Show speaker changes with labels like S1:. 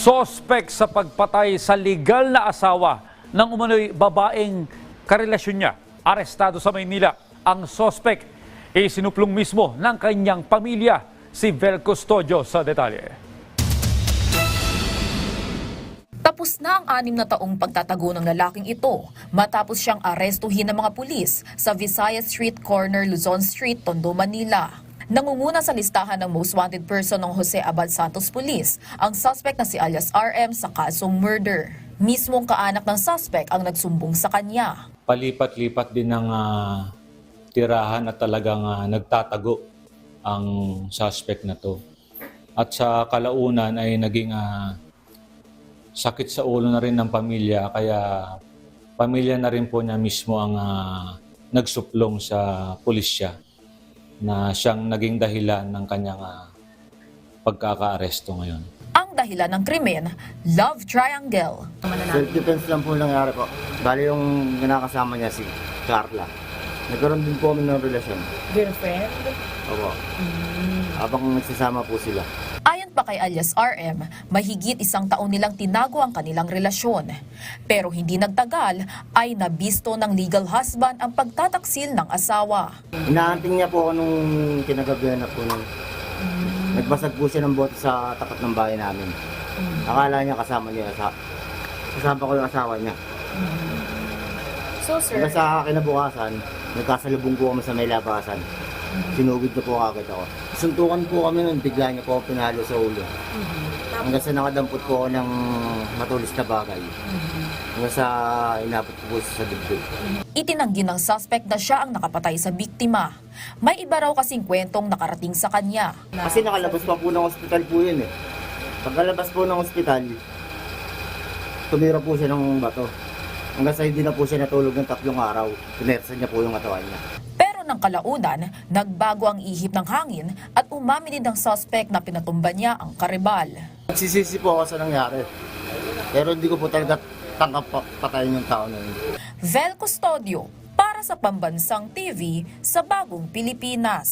S1: Sospek sa pagpatay sa legal na asawa ng umano'y babaeng karelasyon niya. Arestado sa Maynila. Ang sospek ay sinuplong mismo ng kanyang pamilya. Si Vel Custodio sa detalye.
S2: Tapos na ang 6 na taong pagtatago ng lalaking ito matapos siyang arestuhin ng mga pulis sa Visayas Street Corner, Luzon Street, Tondo, Manila. Nangunguna sa listahan ng most wanted person ng Jose Abad Santos Police ang suspect na si alias RM sa kasong murder. Mismong kaanak ng suspect ang nagsumbong sa kanya.
S3: Palipat-lipat din ng tirahan at talagang nagtatago ang suspect na to. At sa kalaunan ay naging sakit sa ulo na rin ng pamilya, kaya pamilya na rin po niya mismo ang nagsuplong sa pulisya na siyang naging dahilan ng kanyang pagkaka-aresto ngayon.
S2: Ang dahilan ng krimen, love triangle.
S4: Self-defense lang po nangyari po. Bali yung kinakasama niya si Carla. Nagkaroon din po kami ng relasyon.
S5: Girlfriend?
S4: Opo. Habang nagsasama po sila.
S2: Ayon pa kay alias RM, mahigit 1 taon nilang tinago ang kanilang relasyon. Pero hindi nagtagal ay nabisto ng legal husband ang pagtataksil ng asawa.
S4: Inaanting niya po ako nung kinagabihan na po nung nagbasag po siya ng bote sa tapat ng bahay namin. Akala niya kasama ko yung asawa niya.
S5: So sir,
S4: Hanggang sa kinabukasan, nagkasalubong po kami sa may labasan. Sinugod na po agad ako. Suntukan po kami nun, bigla niya po ako pinalo sa ulo. Hanggang sa nakadampot po ako ng matulis na bagay. Hanggang sa inabot ko po sa dibdib.
S2: Itinanggi ng suspect na siya ang nakapatay sa biktima. May iba raw kasing kwentong nakarating sa kanya.
S4: Kasi nakalabas pa po ng ospital po yun eh. Pagkalabas po ng ospital, tumira po siya ng bato. Hanggang sa hindi na po siya natulog ng 3 araw. Pinersa niya po yung katawan niya.
S2: Pero ng kalaunan, nagbago ang ihip ng hangin at umamin din ng suspect na pinatumba niya ang karibal.
S4: Nagsisisi po ako sa nangyari. Pero hindi ko po talaga tangkap patayin yung tao na yun.
S2: Vel Custodio para sa Pambansang TV sa Bagong Pilipinas.